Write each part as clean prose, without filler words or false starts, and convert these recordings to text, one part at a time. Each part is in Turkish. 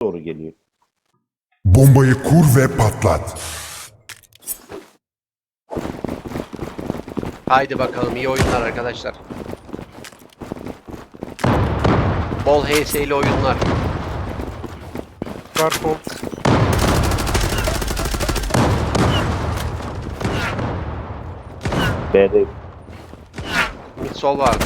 doğru geliyor. Bombayı kur ve patlat. Haydi bakalım, iyi oyunlar arkadaşlar. Bol HS'li oyunlar. Garfold. B'de Mid sol vardı.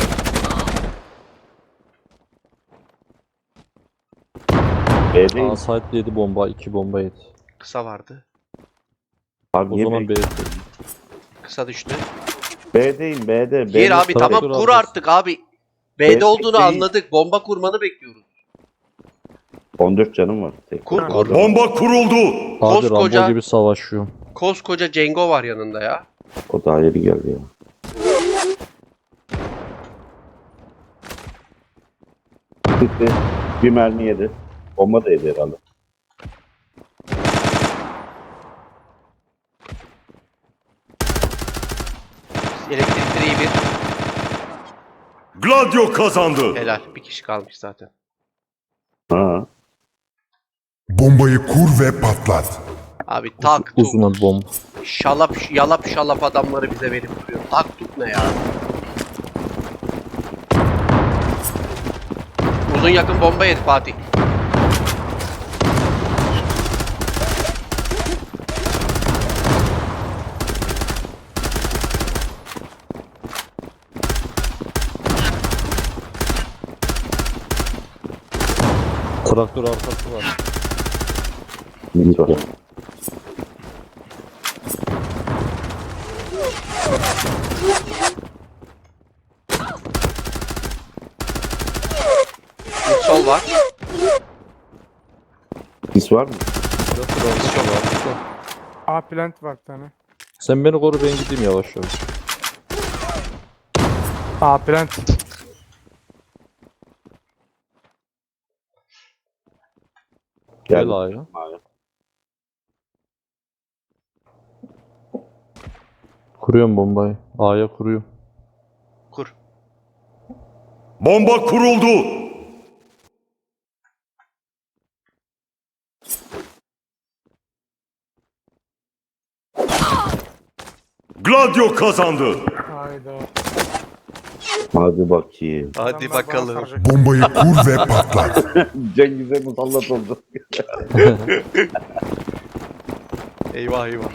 B'deyim. A site 7 bomba, 2 bomba yedi. Kısa vardı. Abi O niye zaman B. Kısa düştü. B'deyim B'de. Gir abi, Traktör tamam kur alacağız. artık abi. B'de B olduğunu değil. anladık. Bomba kurmanı bekliyoruz. 14 canım var. Tek. Kur kur. Bomba kuruldu. Abi Koskoca- Rambo gibi savaşıyor. Koskoca Cengo var yanında ya. O daha yeni geldi ya. Gitti. Bir mermi yedi. Bomba da yedi herhalde. Elektrik direği bir. Gladio kazandı. Helal. Bir kişi kalmış zaten. Ha. Bombayı kur ve patlat. Abi tak tuk. Uzun bomba. Şalap yalap şalap adamları bize verip duruyor. Tak tuk ne ya? Uzun yakın bomba yedi Fatih. Traktör arkası var. Mid var. Mid sol var. Sis var mı? Traktör arkası var. A plant var bir tane. Sen beni koru, ben gideyim yavaş yavaş. A plant. Gel Geldi. A'ya. Kuruyorum bombayı. A'ya kuruyorum. Kur. Bomba kuruldu. Gladio kazandı. Hayda. Hadi bakayım. Hadi Adamlar bana bakalım. saracak. Bombayı kur ve patlat. Cengiz'e musallat oldu. Eyvah eyvah.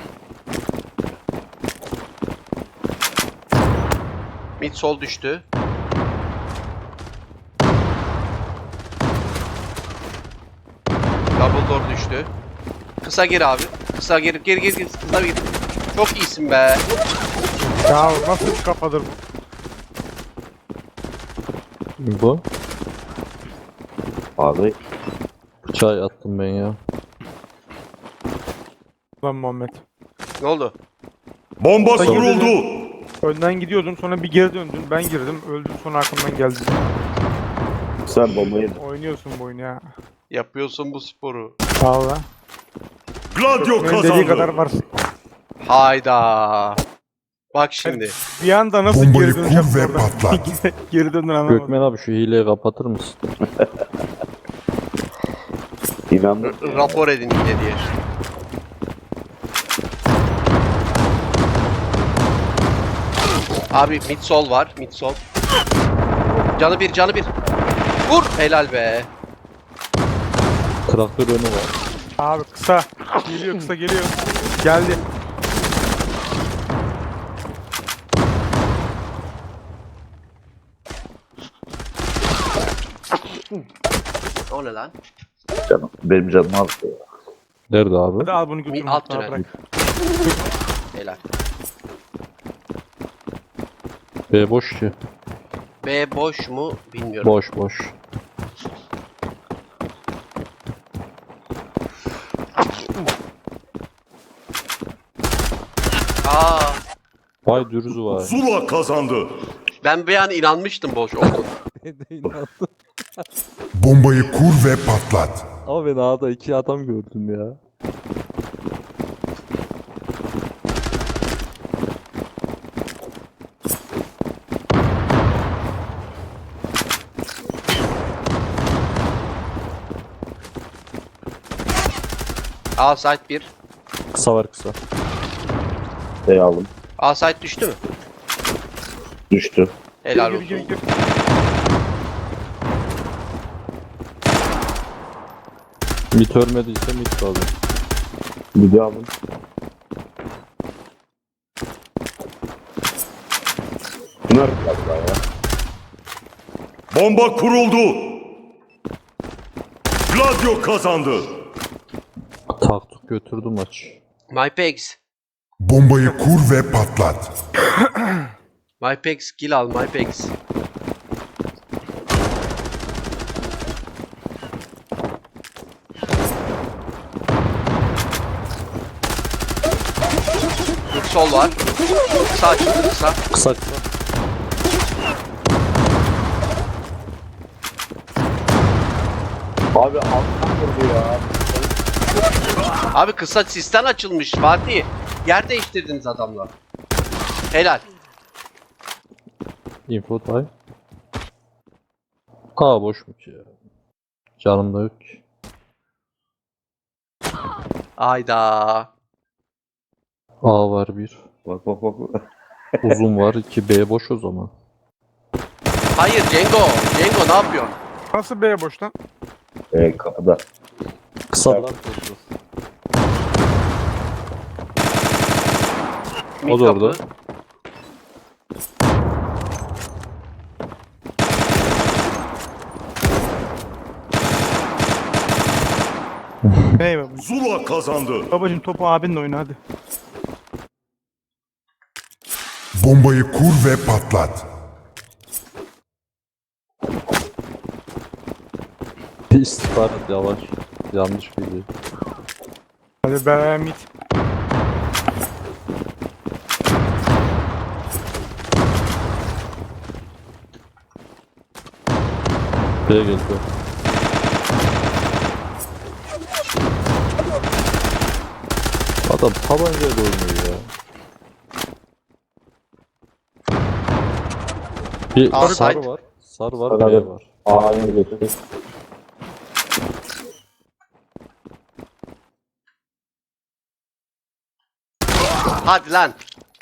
Mid sol düştü. Double door düştü. Kısa gir abi. Kısa gir. Gir. Kısa gir. Çok iyisin be. Ya nasıl bir kafadır bu? Bu. Abi Çay attım ben ya. Lan Muhammed. Ne oldu? Bomba Sayın kuruldu. Önden gidiyordun sonra bir geri döndün. Ben girdim. Öldün sonra arkamdan geldin. sen bombayı Oynuyorsun bu oyunu ya. Yapıyorsun bu sporu. Sağ ol lan. Gladio Benim dediği kadar kazandı. var. Hayda. Bak şimdi. Bir anda nasıl Bombayı geri döneceğim kur ve oradan? patlat. Geri döndün anlamadım. Gökmen abi şu hileyi kapatır mısın? inandım. Rapor edin yine diye. Abi mid sol var. Mid sol. Canı bir. Vur. Helal be. Traktör önü var. Abi kısa. Geliyor. Geldi. O ne lan? Canım, benim canım az. Nerede abi? Hadi al bunu götür. Alt mutfağa tünel. bırak. Helal. B boş ki. B boş mu bilmiyorum. Boş. Aa, Vay dürüzü var. Zula kazandı. ben bir an inanmıştım boş oldu. Bombayı kur ve patlat. Ama ben A'da 2 adam gördüm ya. A site 1. Kısa var kısa. Şey aldım. A site düştü mü? Düştü. Helal Gir, gir, olsun. gir. Mit ölmediyse mit kaldı. Bir de aldım. Bunlar galiba ya. Bomba kuruldu. Gladio kazandı. Taktuk götürdü maç. MyPex. Bombayı kur ve patlat. MyPex kill al MyPex. Bir sol var. Kısa açıldı kısa. Kısa kısa. Abi alttan vurdu ya. Abi kısa sistem açılmış Fatih. Yer değiştirdiniz adamla. Helal. Info time. Aa boşmuş ya. Canım da yok ki. Ayda. A var bir. Bak bak bak. Uzun var 2 B boş o zaman. Hayır Cengo. Cengo ne yapıyorsun? Nasıl B boş lan? Kapıda. Kısadan koşuyor. Mid O da kapı. orada. Hey babacım. Zula kazandı. Babacım topu abinle oyna hadi. Bombayı kur ve patlat. Bir istihbarat yavaş. Yanlış bilgi. Hadi be mid. B geldi. Adam tabancayla oynuyor ya. Bir Sarı sarı kayıt. var. Sarı var, Sarı B evet. var. A'ya götür. Hadi lan.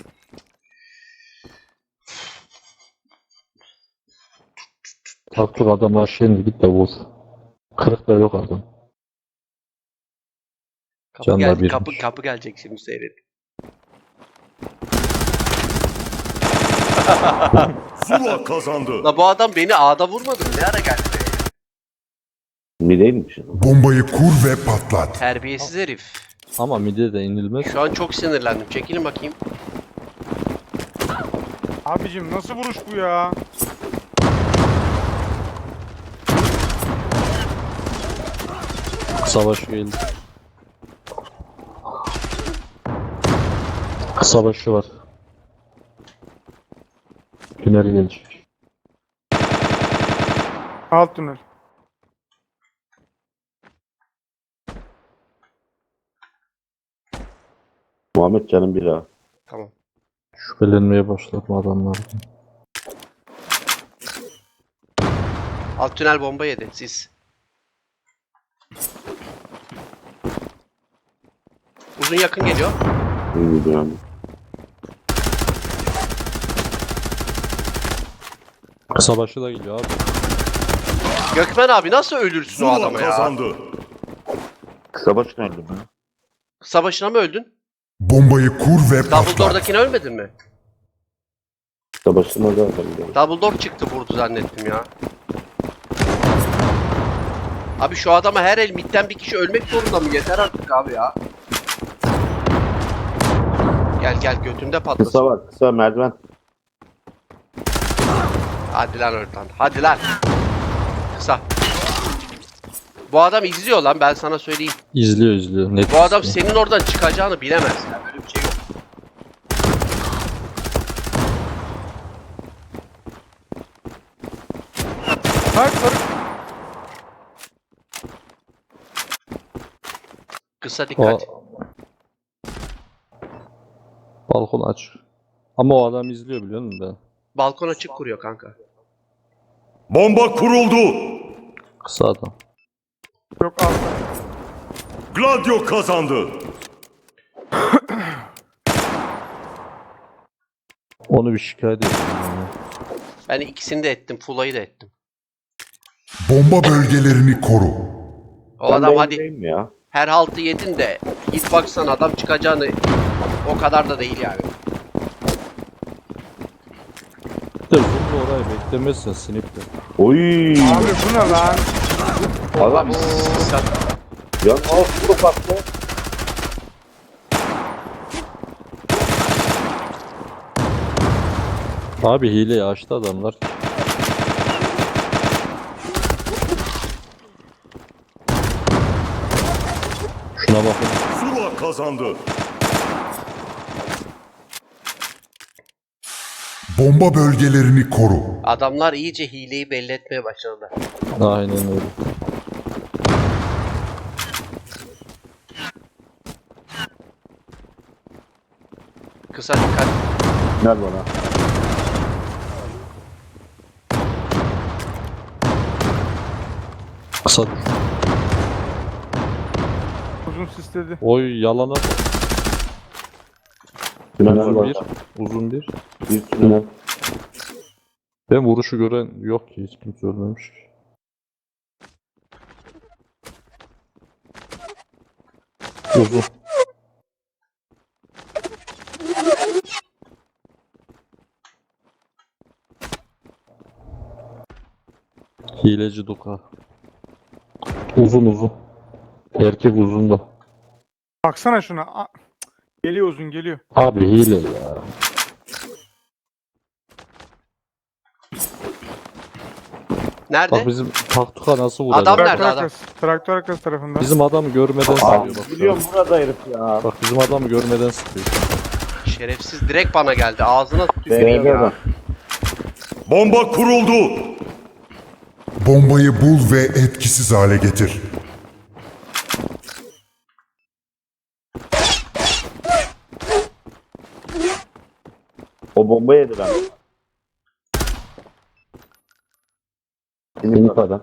Taktuk adamlar şimdi git de vur. Kırık da yok adam. Kapı Canlar geldi. birmiş. Kapı gelecek şimdi seyret. Zula kazandı. La bu adam beni A'da vurmadı mı? Ne ara geldi? Mi değilmiş. Bombayı kur ve patlat. Terbiyesiz herif. Ama midye de inilmez. Şu an çok sinirlendim. Çekilin bakayım. Abicim nasıl vuruş bu ya? Savaş geldi. Savaşı var. Tünel gelecek. Alt tünel. Muhammed canım bir A. Tamam. Şüphelenmeye başladım adamlar. Alt tünel bomba yedi. Siz. Uzun yakın geliyor. Bilmiyorum. Savaşı da geliyor abi. Gökmen abi nasıl ölürsün o Zula adama ya? kazandı. Kısa baş nerede mi? Savaşına mı öldün? Bombayı kur ve patlat. Dumbledore'dakine ölmedin mi? Kısa başına da aldım. Dumbledore çıktı vurdu zannettim ya. Abi şu adama her el midden bir kişi ölmek zorunda mı? Yeter artık abi ya. Gel gel götünde patlasın. Kısa var. Kısa merdiven. Hadi lan oradan. Hadi lan. Kısa. Bu adam izliyor lan ben sana söyleyeyim. İzliyor. Net Bu adam izliyor. senin oradan çıkacağını bilemez ya. Böyle bir şey yok. Hayır sarı. Kısa dikkat. Balkon aç. Ama o adam izliyor biliyor musun ben? Balkon açık kuruyor kanka. Bomba kuruldu. Kısa adam. Yok altta. Gladio kazandı. Onu bir şikayet edeyim. Ben ikisini de ettim. Fula'yı da ettim. Bomba bölgelerini koru. O Ben adam de hadi evdeyim ya. her haltı yedin de git baksana adam çıkacağını o kadar da değil yani. Bir de Zumba orayı beklemezsen sinipte. Oy. Abi bu ne lan? Adam Sen ya nasıl baktı? Abi hileyi açtı adamlar. Şuna bakın. Zula kazandı. Bomba bölgelerini koru. adamlar iyice hileyi belli etmeye başladılar. Aynen öyle. Kısa dikkat. Ver bana. Kısa düş. Uzun sisledi. Oy yalana bak. Tünel Uzun var. bir. Uzun bir. Bir tünel. Ben vuruşu gören yok ki. Hiç kimse ölmemiş ki. Uzun. Hileci Duka. Uzun uzun. Erkek uzun da. Baksana şuna. Geliyor uzun geliyor. Abi hile ya. Nerede? Bak bizim taktuka nasıl vuracak? Adam nerede? Traktör adam? arkası. Traktör arkası tarafından. Bizim adamı görmeden Aa, sıkıyor bak şu an. biliyorum burada herif ya. Bak bizim adamı görmeden sıkıyor. Şerefsiz direkt bana geldi. Ağzına tüküreyim B'de ya. bak. Bomba kuruldu. Bombayı bul ve etkisiz hale getir. O bomba yedi ben. Sinip adam.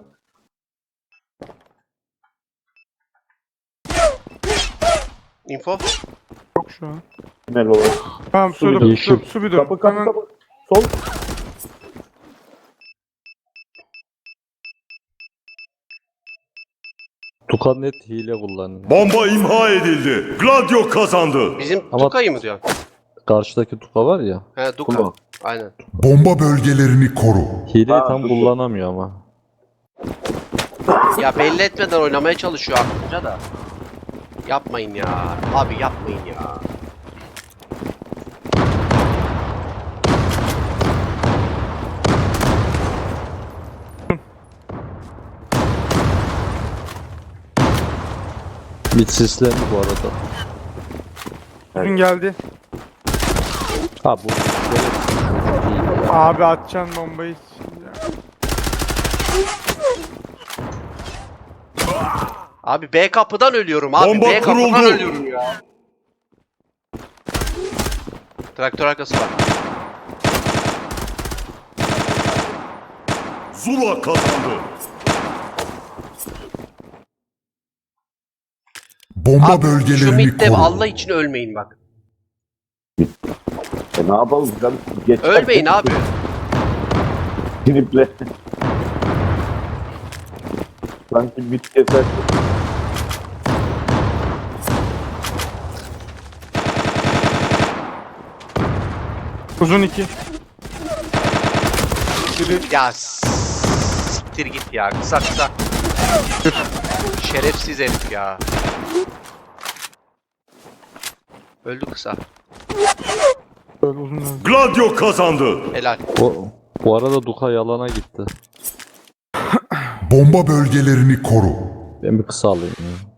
Info. Yok şu an. Tünel olur. Tamam Su bir su yeşil. su bir dur. Kapı kapı Hemen kapı. Sol. Tuka net hile kullanıyor. Bomba imha edildi. Gladio kazandı. Bizim Ama- Duka'yı mı diyorsun? Karşıdaki Tuka var ya. He Duka. Kulağı. Aynen. Bomba bölgelerini koru. Hileyi Ha, tam dur. kullanamıyor ama. Ya belli etmeden oynamaya çalışıyor aklınca da. Yapmayın ya. Abi yapmayın ya. Mid sislendi bu arada. uzun geldi. Ha bu şerefsiz çocuk hile ya. Abi atacaksın bombayı. Ya. Abi B kapıdan ölüyorum abi. Bomba B kapıdan kuruldu. ölüyorum ya. Traktör arkası var. Zula kazandı. Abi Bomba şu bölgelerini midde koru. Allah için ölmeyin bak. Ne yapalım? Canım, geç Ölmeyin abi. Siniple. Sanki bit keser. Uzun 2. Biri Ya siktir git ya. Kısa kısa. Şerefsiz herif ya. Öldü kısa. böyle uzun öldü. Gladio kazandı. Helal. Bu arada Duka yalana gitti. Bomba bölgelerini koru. Ben bir kısa alayım ya.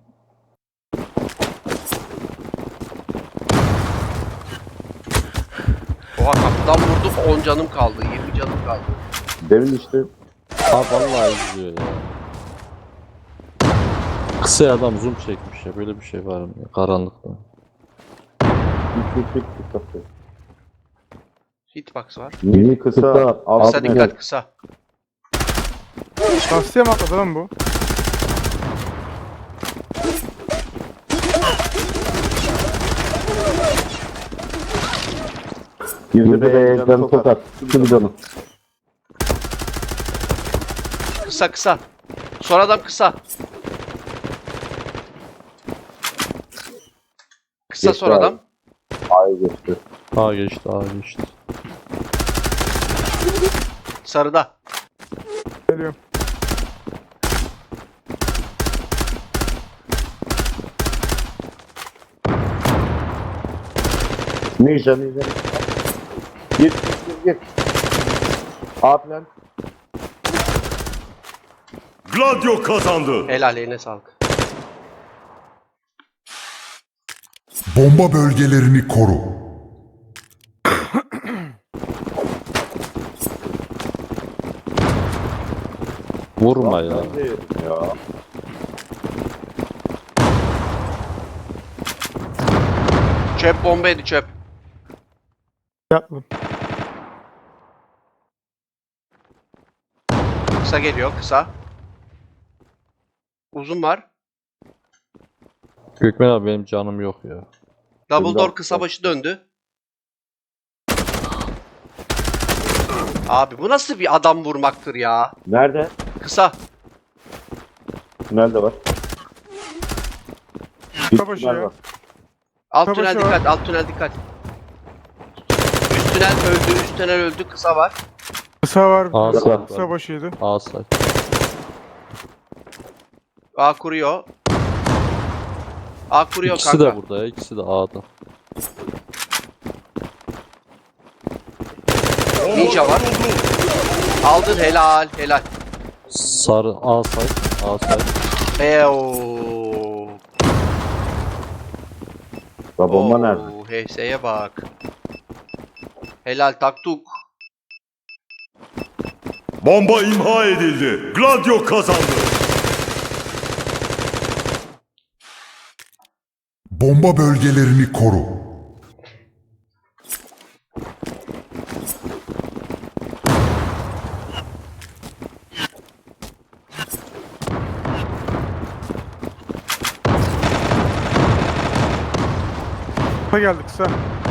Oha kapıdan vurdum 10 canım kaldı. 20 canım kaldı. Demin işte Ha vallahi izliyor ya. Kısa adam zoom çekmiş ya. Böyle bir şey var mı ya? Karanlıkta. bir kısa. Hitbox var. Mini kısa. Kısa, alt Kısa net. dikkat kısa. Lastiğe mi atladı lan bu? Girdi B'ye canı çok az. Şu bir canı. Kısa kısa. Son adam kısa. Kısa Geçti son abi. adam. A'ya geçti. A geçti, A geçti. Sarıda. Geliyorum. Ninja. Gir. A plan. Gladio kazandı. Helal eline sağlık. Bomba bölgelerini koru. Vurma ya. Ben de yedim ya. Çöp bombaydı çöp. Yapmadım. Kısa geliyor kısa. Uzun var. Gökmen abi benim canım yok ya. Double door kısa başı döndü. Abi bu nasıl bir adam vurmaktır ya? Nerede? Kısa. Nerede var? Savaşı tünel ya. var. Alt Savaşı tünel var. dikkat, alt tünel dikkat. Üst tünel öldü, üst tünel öldü, kısa var. Kısa var. Aa, bir sağ tane. var. Kısa başıydı. A say. A kuruyor. A kuruyor İkisi kanka. de burada ya, ikisi de A'da. Ninja var. Aldın helal, helal. Sarı A say. A say. Eooo. Ya bomba nerede? HS'ye bak. Helal taktuk. Bomba imha edildi. Gladio kazandı. Bomba bölgelerini koru. Kısa geldi kısa.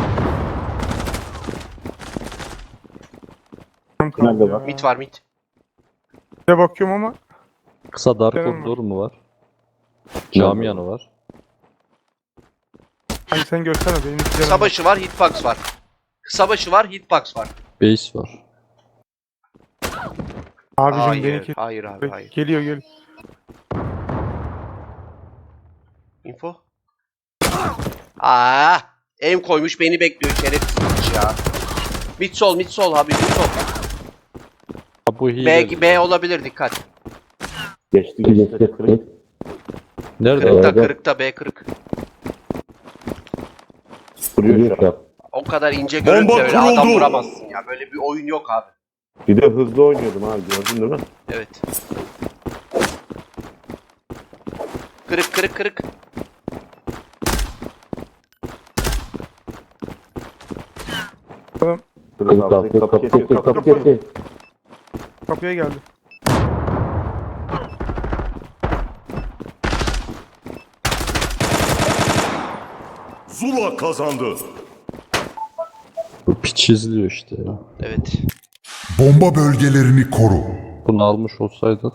Nerede var? Mit var mit. Bir de bakıyorum ama Kısa dar Canım koridor mu var? Cami yanı var. hani sen görsene benim Kısa başı var, hitbox var. Kısa başı var, hitbox var. Base var. Abicim Hayır, benimki hayır abi, hayır. geliyor. Info. Aa, aim koymuş beni bekliyor şerefsiz ya. Mid sol abi, mid sol. Ha, bu hile. B olabilir dikkat. Geçti. Nerede Kırıkta, abi? kırıkta, B kırık. Vuruyor şu an. O kadar ince görüp de Bomba öyle adam kuruldu. vuramazsın ya. Böyle bir oyun yok abi. Bir de hızlı oynuyordum abi, gördün değil mi? Evet. Kırık. Kapı kesiyor. Kapıya geldi. Zula kazandı. Bu piç izliyor işte ya. Evet. Bomba bölgelerini koru. Bunu almış olsaydık.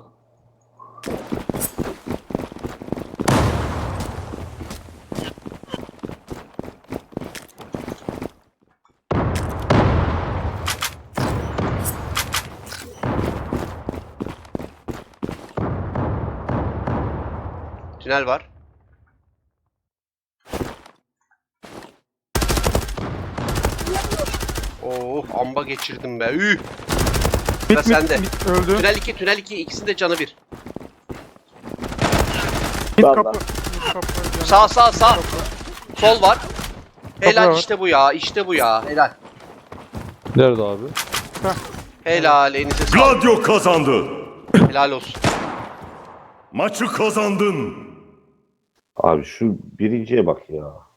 Tünel var. Oh, amba geçirdim be. Üh. Sıra sende. Mit öldü. Tünel 2 ikisinin de canı bir. Mit Vallahi. kapı. Mit kapı. Sağ. Sol var. Helal var. işte bu ya. Helal. Nerede abi? Helal elinize sağlık. Gladio kazandı. Helal olsun. Maçı kazandın. Abi şu birinciye bak ya.